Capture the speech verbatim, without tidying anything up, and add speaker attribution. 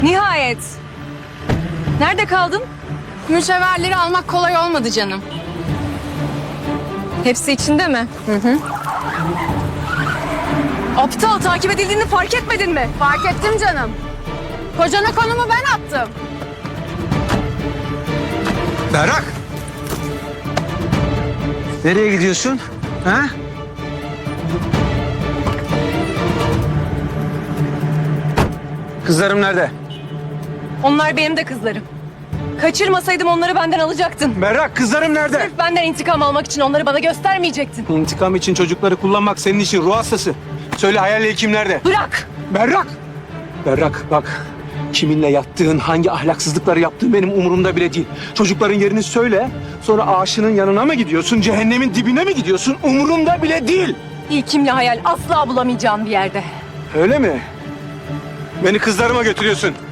Speaker 1: Nihayet. Nerede kaldın?
Speaker 2: Mücevherleri almak kolay olmadı canım.
Speaker 1: Hepsi içinde mi? Hı hı. Aptal, takip edildiğini fark etmedin mi?
Speaker 2: Fark ettim canım. Kocana konumu ben attım.
Speaker 3: Berrak! Nereye gidiyorsun? Ha? Kızlarım nerede?
Speaker 1: Onlar benim de kızlarım. Kaçırmasaydım onları benden alacaktın.
Speaker 3: Berrak, kızlarım nerede?
Speaker 1: Sırf benden intikam almak için onları bana göstermeyecektin.
Speaker 3: İntikam için çocukları kullanmak senin için ruh hastası. Söyle hayal hekim nerede?
Speaker 1: Bırak!
Speaker 3: Berrak! Berrak bak, kiminle yattığın, hangi ahlaksızlıkları yaptığın benim umurumda bile değil. Çocukların yerini söyle, sonra aşının yanına mı gidiyorsun, cehennemin dibine mi gidiyorsun? Umurumda bile değil.
Speaker 1: İlkimle hayal asla bulamayacağın bir yerde.
Speaker 3: Öyle mi? Beni kızlarıma götürüyorsun.